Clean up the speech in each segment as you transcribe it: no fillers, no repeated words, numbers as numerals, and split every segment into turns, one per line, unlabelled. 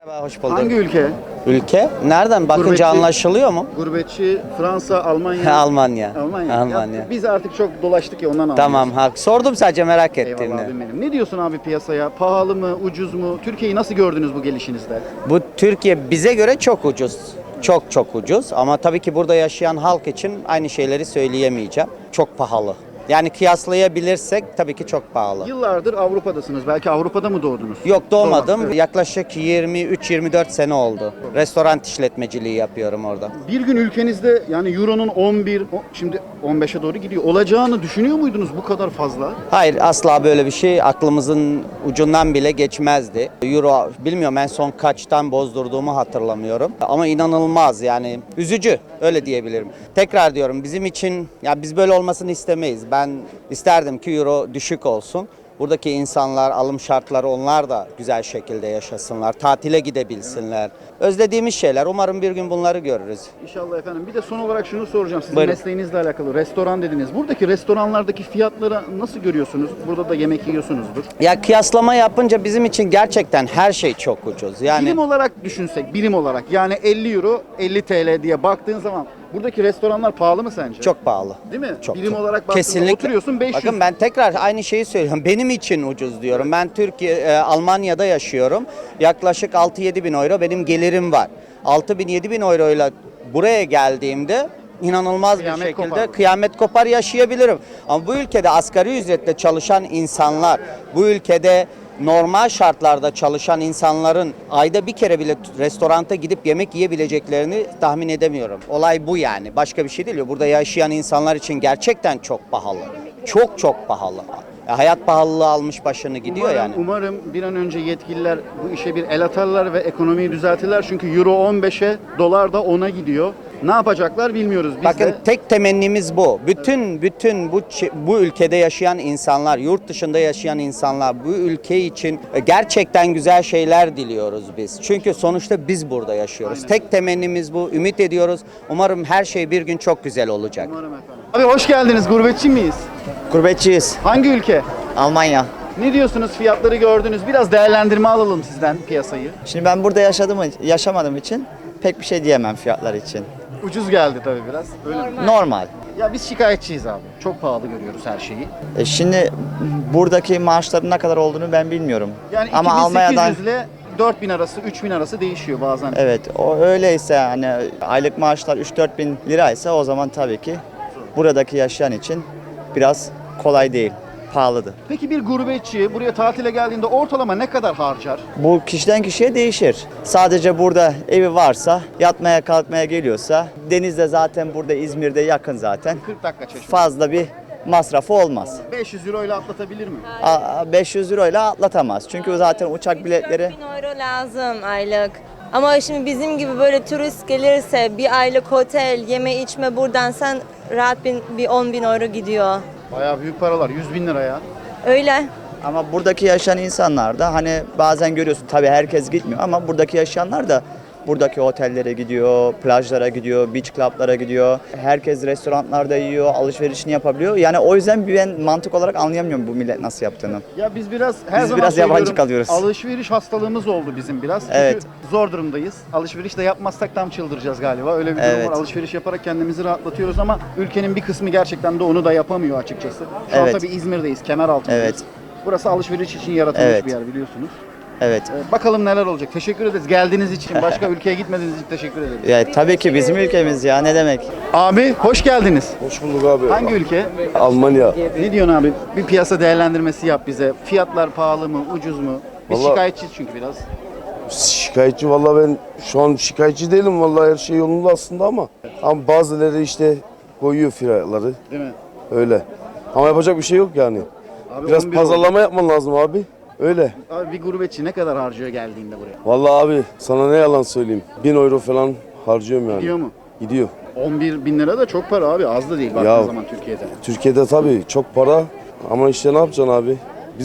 Merhaba, hoş bulduk.
Hangi ülke?
Ülke? Nereden bakınca
Gurbetçi-
anlaşılıyor mu?
Gurbetçi, Fransa, Almanya.
Almanya.
Almanya.
Almanya.
Ya biz artık çok dolaştık ya ondan anlıyoruz.
Tamam, hak. Sordum sadece merak
Eyvallah
ettiğimde.
abim benim. Ne diyorsun abi piyasaya? Pahalı mı, ucuz mu? Türkiye'yi nasıl gördünüz bu gelişinizde?
Bu Türkiye bize göre çok ucuz. Çok çok ucuz ama tabii ki burada yaşayan halk için aynı şeyleri söyleyemeyeceğim. Çok pahalı. Yani kıyaslayabilirsek tabii ki çok pahalı.
Yıllardır Avrupa'dasınız. Belki Avrupa'da mı doğdunuz?
Yok doğmadım.
Evet.
Yaklaşık 23-24 sene oldu. Restoran işletmeciliği yapıyorum orada.
Bir gün ülkenizde yani Euro'nun 11, şimdi 15'e doğru gidiyor. Olacağını düşünüyor muydunuz bu kadar fazla?
Hayır, asla böyle bir şey aklımızın ucundan bile geçmezdi. Euro bilmiyorum, en son kaçtan bozdurduğumu hatırlamıyorum. Ama inanılmaz, yani üzücü, öyle diyebilirim. Tekrar diyorum, bizim için ya biz böyle olmasını istemeyiz. Ben isterdim ki euro düşük olsun. Buradaki insanlar, alım şartları, onlar da güzel şekilde yaşasınlar. Tatile gidebilsinler. Özlediğimiz şeyler. Umarım bir gün bunları görürüz.
İnşallah efendim. Bir de son olarak şunu soracağım. Sizin
Buyurun.
mesleğinizle alakalı. Restoran dediniz. Buradaki restoranlardaki fiyatları nasıl görüyorsunuz? Burada da yemek yiyorsunuzdur.
Ya kıyaslama yapınca bizim için gerçekten her şey çok ucuz. Yani
Birim olarak düşünsek, birim olarak yani 50 euro, 50 TL diye baktığın zaman buradaki restoranlar pahalı mı sence?
çok pahalı.
Değil mi?
Çok,
Birim
çok.
olarak baktığında
Kesinlikle.
oturuyorsun 500.
Bakın ben tekrar aynı şeyi söylüyorum. Benim için ucuz diyorum. Ben Almanya'da yaşıyorum. Yaklaşık 6-7 bin euro benim gelirim var. 6 bin 7 bin euro ile buraya geldiğimde inanılmaz
Kıyamet
bir şekilde
kopar.
kıyamet kopar yaşayabilirim. Ama bu ülkede asgari ücretle çalışan insanlar, bu ülkede normal şartlarda çalışan insanların ayda bir kere bile restoranta gidip yemek yiyebileceklerini tahmin edemiyorum. Olay bu yani. Başka bir şey değil. Burada yaşayan insanlar için gerçekten çok pahalı. Çok çok pahalı. Hayat pahalılığı almış başını gidiyor yani.
Umarım bir an önce yetkililer bu işe bir el atarlar ve ekonomiyi düzeltirler. Çünkü euro 15'e, dolar da 10'a gidiyor. Ne yapacaklar bilmiyoruz. Biz
Bakın
de
tek temennimiz bu. Bütün bu ülkede yaşayan insanlar, yurt dışında yaşayan insanlar bu ülke için gerçekten güzel şeyler diliyoruz biz. Çünkü sonuçta biz burada yaşıyoruz.
Aynen.
Tek temennimiz bu. Ümit ediyoruz. Umarım her şey bir gün çok güzel olacak.
umarım efendim. Abi hoş geldiniz. Gurbetçi miyiz?
Gurbetçiyiz.
Hangi ülke?
Almanya.
Ne diyorsunuz? Fiyatları gördünüz. Biraz değerlendirme alalım sizden piyasayı.
Şimdi ben burada yaşamadığım için pek bir şey diyemem fiyatlar için.
Ucuz geldi tabii biraz. Öyle mi?
Normal.
Ya biz şikayetçiyiz abi. Çok pahalı görüyoruz her şeyi.
Şimdi buradaki maaşların ne kadar olduğunu ben bilmiyorum.
Yani
Ama
2800
Almanya'dan
ile 4000 arası, 3000 arası değişiyor bazen.
evet o öyleyse hani aylık maaşlar 3-4 bin liraysa o zaman tabii ki buradaki yaşayan için biraz kolay değil. Pahalıdır.
Peki bir gurbetçi buraya tatile geldiğinde ortalama ne kadar harcar?
Bu kişiden kişiye değişir. Sadece burada evi varsa, yatmaya kalkmaya geliyorsa, denizde zaten burada İzmir'de yakın zaten.
40 dakika Çeşme.
Fazla bir masrafı olmaz.
500 euro ile atlatabilir mi?
500 euro ile atlatamaz. Çünkü zaten uçak biletleri
4000 euro lazım aylık. Ama şimdi bizim gibi böyle turist gelirse bir aylık otel, yeme içme buradan sen rahat bir 10 bin euro gidiyor.
Bayağı büyük paralar. 100 bin lira ya.
Öyle.
ama buradaki yaşayan insanlar da hani bazen görüyorsun tabii herkes gitmiyor ama buradaki yaşayanlar da buradaki otellere gidiyor, plajlara gidiyor, beach club'lara gidiyor. Herkes restoranlarda yiyor, alışverişini yapabiliyor. Yani o yüzden ben mantık olarak anlayamıyorum bu millet nasıl yaptığını.
Ya biz biraz her
Biz
zaman
biraz yabancı
söylüyorum,
kalıyoruz.
alışveriş hastalığımız oldu bizim biraz. Çünkü
Evet.
zor durumdayız. Alışveriş de yapmazsak tam çıldıracağız galiba. Öyle bir durum
Evet.
var. Alışveriş yaparak kendimizi rahatlatıyoruz ama ülkenin bir kısmı gerçekten de onu da yapamıyor açıkçası. Şu an
Evet.
tabii İzmir'deyiz, Kemeraltı'ndayız.
Evet.
Burası alışveriş için yaratılmış
Evet.
bir yer biliyorsunuz.
Evet.
Bakalım neler olacak. Teşekkür ederiz. Geldiğiniz için, başka ülkeye gitmediğiniz için teşekkür ederiz.
Ya, tabii ki bizim ülkemiz ya ne demek.
Abi hoş geldiniz.
Hoş bulduk abi.
Hangi ülke?
Almanya.
Ne diyorsun abi? Bir piyasa değerlendirmesi yap bize. Fiyatlar pahalı mı, ucuz mu? Biz
Vallahi-
şikayetçiyiz çünkü biraz.
Şikayetçi vallahi ben şu an şikayetçi değilim vallahi her şey yolunda aslında ama bazıları işte koyuyor fiyatları
Değil mi?
öyle. Ama yapacak bir şey yok yani.
Abi
Biraz
11
pazarlama yapman lazım abi. Öyle.
Abi bir gurbetçi ne kadar harcıyor geldiğinde buraya?
Vallahi abi sana ne yalan söyleyeyim. 1000 euro falan harcıyorum yani.
Gidiyor mu?
Gidiyor.
11 bin lira da çok para abi. Az da değil baktığın
Ya.
zaman Türkiye'de.
Türkiye'de tabii çok para ama işte ne yapacaksın abi?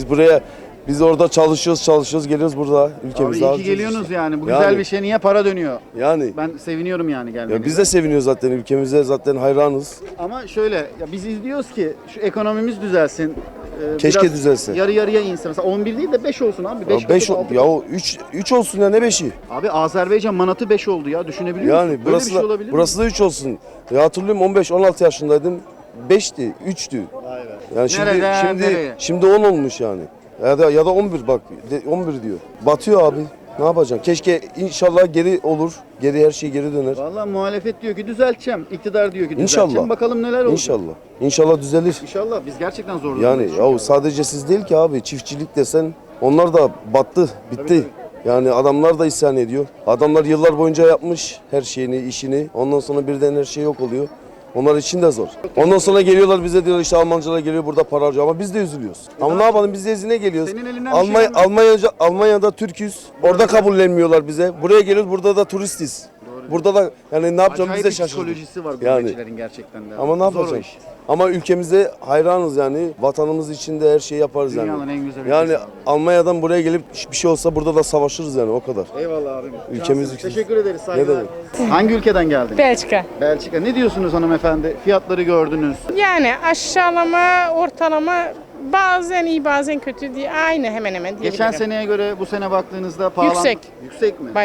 Biz orada çalışıyoruz geliyoruz burada
Abi
ülkemizde
iyi ki
harcıyoruz
geliyorsunuz
işte.
yani. Bu
Yani.
güzel bir şey. Niye para dönüyor?
Yani.
Ben seviniyorum yani gelmenize.
Ya biz de seviniyoruz zaten ülkemize zaten hayranız.
Ama şöyle ya biz izliyoruz ki şu ekonomimiz düzelsin.
Keşke
biraz
düzelse.
yarı yarıya inse. Mesela 11 değil de 5 olsun abi. 5
5 ya o 3 olsun ya ne 5'i?
Abi Azerbaycan manatı 5 oldu ya. Düşünebiliyor musun?
Yani
Böyle
burası
bir şey
da
olabilir mi?
burası da 3 olsun. Ya hatırlıyorum 15-16 yaşındaydım. 5'ti, 3'tü.
Vay be.
Yani şimdi
Nereden nereye?
şimdi 10 olmuş yani. Ya da 11 bak 11 diyor. Batıyor abi. Ne yapacaksın? Keşke inşallah geri olur. Geri her şey geri döner.
Vallahi muhalefet diyor ki düzelteceğim. İktidar diyor ki
İnşallah.
düzelteceğim. Bakalım neler olacak.
İnşallah. İnşallah düzelir.
İnşallah. Biz gerçekten zor
Yani
durumdayız çünkü.
ya sadece siz değil ki abi. Çiftçilik desen onlar da battı, bitti. Yani adamlar da isyan ediyor. Adamlar yıllar boyunca yapmış her şeyini, işini. Ondan sonra birden her şey yok oluyor. Onlar için de zor. Ondan sonra geliyorlar bize diyorlar işte Almancılar geliyor burada para harcıyor ama biz de üzülüyoruz. Ama ne yapalım biz de izine geliyoruz.
Senin elinden bir şey
Almanya'da Türk'üz. Orada kabullenmiyorlar bize. Buraya geliyoruz burada da turistiz. Burada da yani ne yapacağımızı
Acayip
biz de
bir
şaşırdık.
psikolojisi var
Yani.
gurbetçilerin gerçekten de.
Ama ne
Zor o
yapacağız?
iş.
Ama ülkemize hayranız yani. Vatanımız için de her şeyi yaparız
Dünyanın
yani.
en güzel ülkesi
Yani
abi.
Almanya'dan buraya gelip bir şey olsa burada da savaşırız yani o kadar.
Eyvallah abim.
Ülkemiz
Cansın.
için.
Teşekkür ederiz. Saygılar.
demek?
Hangi ülkeden geldin?
Belçika.
Belçika. Ne diyorsunuz hanımefendi? Fiyatları gördünüz.
Yani aşağılama, ortalama bazen iyi bazen kötü diye aynı hemen hemen diyebilirim.
Geçen seneye göre bu sene baktığınızda pahalı.
Yüksek.
Yüksek mi?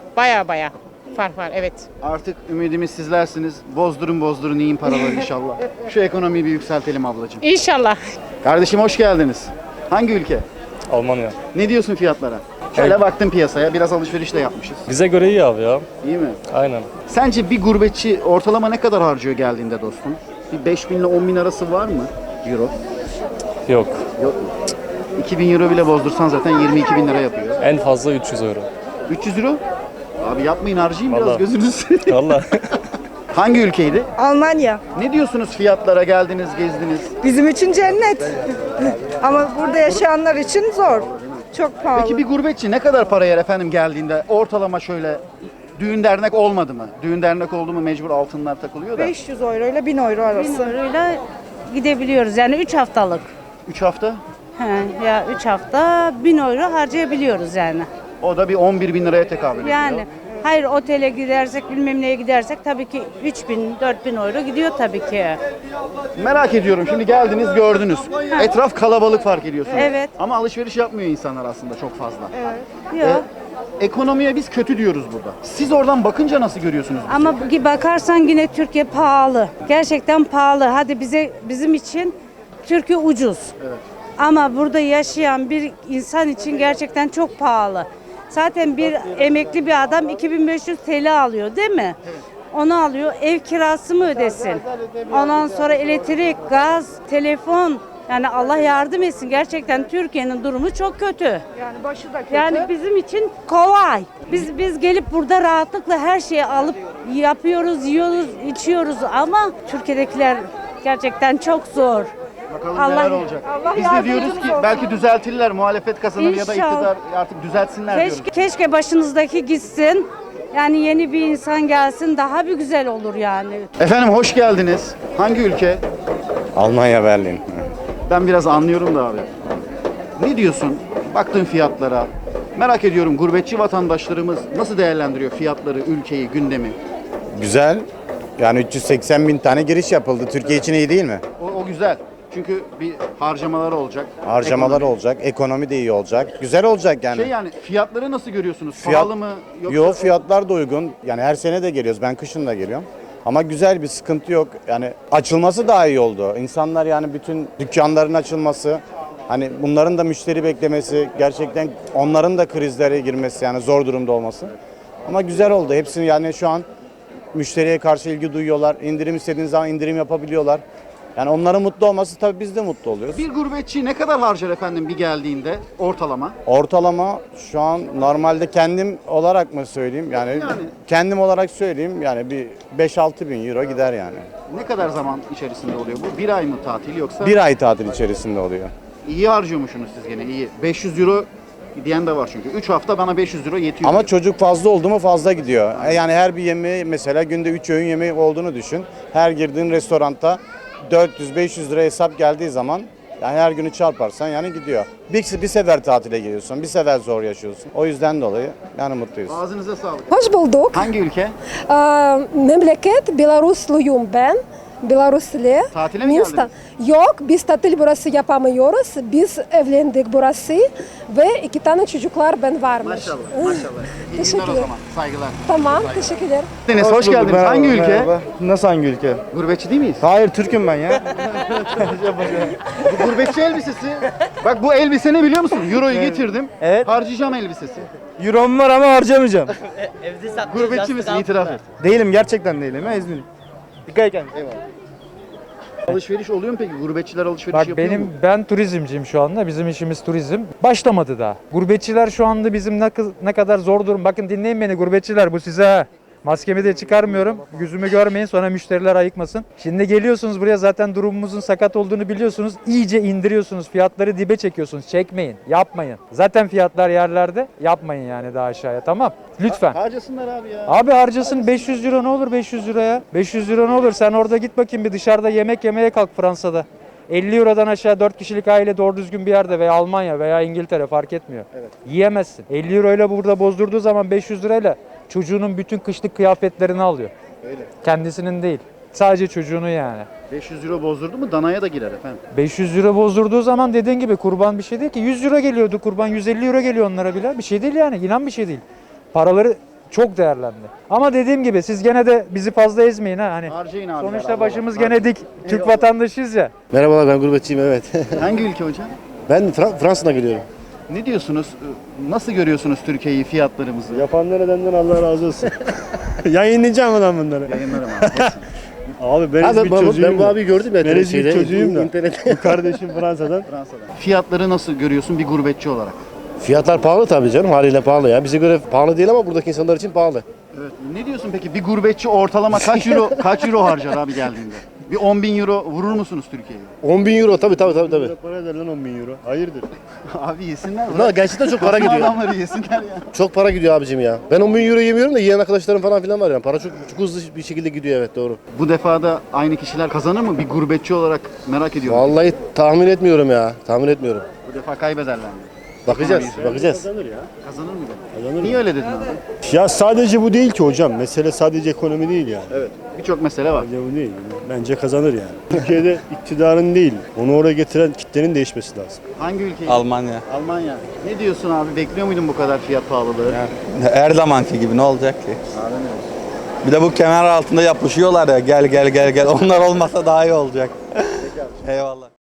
Baya fark var evet.
Artık ümidimiz sizlersiniz. Bozdurun yiyin paraları inşallah. Şu ekonomiyi bir yükseltelim ablacığım.
İnşallah.
Kardeşim hoş geldiniz. Hangi ülke?
Almanya.
Ne diyorsun fiyatlara? Şöyle baktım piyasaya. Biraz alışveriş de yapmışız.
Bize göre iyi abi ya.
İyi mi?
Aynen.
Sence bir gurbetçi ortalama ne kadar harcıyor geldiğinde dostum? Bir 5 bin ile 10 bin arası var mı? Euro.
Yok.
Yok mu? 2000 euro bile bozdursan zaten 22 bin lira yapıyor.
En fazla 300 euro.
300 euro? Abi yapmayın harcayın biraz
Vallahi.
gözünüz.
Valla.
Hangi ülkeydi?
Almanya.
Ne diyorsunuz fiyatlara geldiniz, gezdiniz?
Bizim için cennet. Ama burada yaşayanlar için zor. Çok pahalı.
Peki bir gurbetçi ne kadar para yer efendim geldiğinde? Ortalama şöyle düğün dernek olmadı mı? Düğün dernek oldu mu mecbur altınlar takılıyor da.
500 euro ile 1000 euro arası.
1000 euroyla gidebiliyoruz yani 3 haftalık.
3 hafta?
Ya 3 hafta 1000 euro harcayabiliyoruz yani.
O da bir 11 bin liraya tekabül ediyor.
Yani hayır otele gidersek bilmem neye gidersek tabii ki 3000 4000 euro gidiyor tabii ki.
Merak ediyorum şimdi geldiniz gördünüz. Etraf kalabalık fark ediyorsunuz.
Evet.
Ama alışveriş yapmıyor insanlar aslında çok fazla.
Yok.
Ekonomiye biz kötü diyoruz burada. Siz oradan bakınca nasıl görüyorsunuz? bizi?
Ama bakarsan yine Türkiye pahalı. Gerçekten pahalı. Hadi bizim için Türkiye ucuz. Ama burada yaşayan bir insan için gerçekten çok pahalı. Zaten bir emekli bir adam 2500 TL alıyor değil mi? Onu alıyor. Ev kirası mı ödesin? Ondan sonra elektrik, gaz, telefon. Yani Allah yardım etsin. Gerçekten Türkiye'nin durumu çok kötü.
Yani başı da kötü.
Yani bizim için kolay. Biz gelip burada rahatlıkla her şeyi alıp yapıyoruz, yiyoruz, içiyoruz ama Türkiye'dekiler gerçekten çok zor.
Bakalım
Allah-
neler olacak.
Allah
Biz de diyoruz
yardımcımız
ki
olsun.
belki düzeltirler, muhalefet kazanır ya da
İnşallah.
iktidar artık düzeltsinler diyoruz.
Keşke başınızdaki gitsin. Yani yeni bir insan gelsin daha bir güzel olur yani.
Efendim hoş geldiniz. Hangi ülke?
Almanya, Berlin.
Ben biraz anlıyorum da abi. Ne diyorsun? Baktığın fiyatlara. Merak ediyorum gurbetçi vatandaşlarımız nasıl değerlendiriyor fiyatları, ülkeyi, gündemi?
Güzel. Yani 380 bin tane giriş yapıldı. Türkiye için iyi değil mi?
O güzel. Çünkü bir harcamalar olacak.
Harcamalar
Ekonomi.
olacak, ekonomi de iyi olacak. Güzel olacak yani.
Yani fiyatları nasıl görüyorsunuz? Pahalı mı? Yoksa
Yo, fiyatlar da uygun. Yani her sene de geliyoruz. Ben kışın da geliyorum. Ama güzel bir sıkıntı yok. Yani açılması daha iyi oldu. İnsanlar yani bütün dükkanların açılması, hani bunların da müşteri beklemesi, gerçekten onların da krizlere girmesi yani zor durumda olması. Ama güzel oldu. Hepsini yani şu an müşteriye karşı ilgi duyuyorlar. İndirim istediğiniz zaman indirim yapabiliyorlar. Yani onların mutlu olması tabii biz de mutlu oluyoruz.
bir gurbetçi ne kadar harcar efendim bir geldiğinde ortalama?
Ortalama şu an normalde kendim olarak mı söyleyeyim? Yani kendim olarak söyleyeyim yani bir 5-6 bin euro gider yani.
Ne kadar zaman içerisinde oluyor bu? Bir ay mı tatil yoksa?
Bir ay tatil içerisinde oluyor.
İyi harcıyormuşsunuz siz gene iyi. 500 euro diyen de var çünkü. 3 hafta bana 500 euro yetiyor.
Ama
diyor.
çocuk fazla oldu mu fazla gidiyor. Yani her bir yemeği mesela günde 3 öğün yemeği olduğunu düşün. Her girdiğin restoranda 400-500 lira hesap geldiği zaman yani her günü çarparsan yani gidiyor. Bir sefer tatile geliyorsun, bir sefer zor yaşıyorsun. O yüzden dolayı yani mutluyuz.
Ağzınıza sağlık.
Hoş bulduk.
Hangi ülke?
Memleket Belarus'luyum ben. Belarusli.
Tatile mi
Minsk'ta.
geldiniz?
Yok, biz tatil burası yapamıyoruz. Biz evlendik burası ve 2 tane çocuklar ben varmış.
Maşallah, maşallah. İyi günler o
Teşekkürler.
zaman. Saygılar.
Tamam, teşekkürler.
Deniz hoş geldiniz. Hangi ülke?
Nasıl hangi ülke?
Gurbetçi değil miyiz?
Hayır, Türk'üm ben ya.
Bu gurbetçi elbisesi. Bak bu elbise ne biliyor musun? Euro'yu getirdim.
Evet.
Harcayacağım elbisesi.
Euro'm var ama harcamayacağım.
Gurbetçi misin? İtiraf et.
Değilim, gerçekten değilim. Ya İzmir'im. Dikkat et kendine.
Eyvallah. Alışveriş oluyor mu peki? Gurbetçiler alışveriş
Bak
yapıyor mu?
ben turizmciyim şu anda. Bizim işimiz turizm. Başlamadı daha. Gurbetçiler şu anda bizim ne kadar zor durum. Bakın dinleyin beni gurbetçiler, bu size ha. Maskemi de çıkarmıyorum. Yüzümü görmeyin, sonra müşteriler ayıkmasın. Şimdi geliyorsunuz buraya, zaten durumumuzun sakat olduğunu biliyorsunuz. İyice indiriyorsunuz. Fiyatları dibe çekiyorsunuz. Çekmeyin. Yapmayın. Zaten fiyatlar yerlerde. Yapmayın yani daha aşağıya, tamam? Lütfen.
Harcasınlar abi ya.
Abi harcasın, 500 euro ne olur 500 liraya? 500 euro ne olur? Sen orada git bakayım bir dışarıda yemek yemeye kalk Fransa'da. 50 Euro'dan aşağı 4 kişilik aile doğru düzgün bir yerde veya Almanya veya İngiltere fark etmiyor.
Evet.
Yiyemezsin. 50 Euro ile burada bozdurduğu zaman 500 lirayla çocuğunun bütün kışlık kıyafetlerini alıyor.
Öyle.
Kendisinin değil. Sadece çocuğunu yani.
500 euro bozdurdu mu danaya da girer efendim.
500 euro bozdurduğu zaman dediğin gibi kurban bir şey değil ki. 100 euro geliyordu kurban, 150 euro geliyor onlara bile. Bir şey değil yani, inan bir şey değil. Paraları çok değerlendi. Ama dediğim gibi siz gene de bizi fazla ezmeyin ha. Hani
Harcayın abi.
sonuçta başımız gene dik. Türk vatandaşıyız ya.
Merhabalar, ben gurbetçiyim, evet.
Hangi ülke hocam?
Ben Fransa'dan geliyorum.
Ne diyorsunuz? Nasıl görüyorsunuz Türkiye'yi, fiyatlarımızı?
Yapanlar edenden Allah razı olsun. Yayınlayacağım adam bunları.
Yayınlarım abi.
Abi ben İzmir çocuğuyum. Ben bu abi gördüm ya. Ben
İzmir
çocuğuyum da. Bu kardeşim Fransa'dan.
Fransa'dan. Fiyatları nasıl görüyorsun bir gurbetçi olarak?
Fiyatlar pahalı tabii canım, haliyle pahalı ya. Bize göre pahalı değil ama buradaki insanlar için pahalı.
Evet. Ne diyorsun peki? Bir gurbetçi ortalama kaç euro harcar abi geldiğinde? Bir 10.000 euro vurur musunuz Türkiye'ye?
10.000 euro tabii.
Para eder lan 10.000 euro. Hayırdır?
Abi yesinler.
Bunlar gerçekten çok para
Kasım
gidiyor.
adamları yesinler ya.
Çok para gidiyor abicim ya. Ben 10.000 euro yemiyorum da yiyen arkadaşlarım falan filan var yani. Para çok hızlı bir şekilde gidiyor, evet, doğru.
Bu defa da aynı kişiler kazanır mı? Bir gurbetçi olarak merak ediyorum.
Vallahi tahmin etmiyorum ya. Tahmin etmiyorum.
Bu defa kaybederler mi?
Bakacağız.
Kazanır ya.
Kazanır mı? Niye öyle dedin abi?
Ya sadece bu değil ki hocam. Mesele sadece ekonomi değil yani.
Evet. Birçok mesele var.
Sadece bu değil. Bence kazanır yani. Türkiye'de iktidarın değil, onu oraya getiren kitlenin değişmesi lazım.
Hangi ülke?
Almanya.
Almanya. Ne diyorsun abi? Bekliyor muydun bu kadar fiyat pahalılığı?
Her zamanki gibi ne olacak ki? Bir de bu kemer altında yapışıyorlar ya, gel. Onlar olmasa daha iyi olacak. Eyvallah.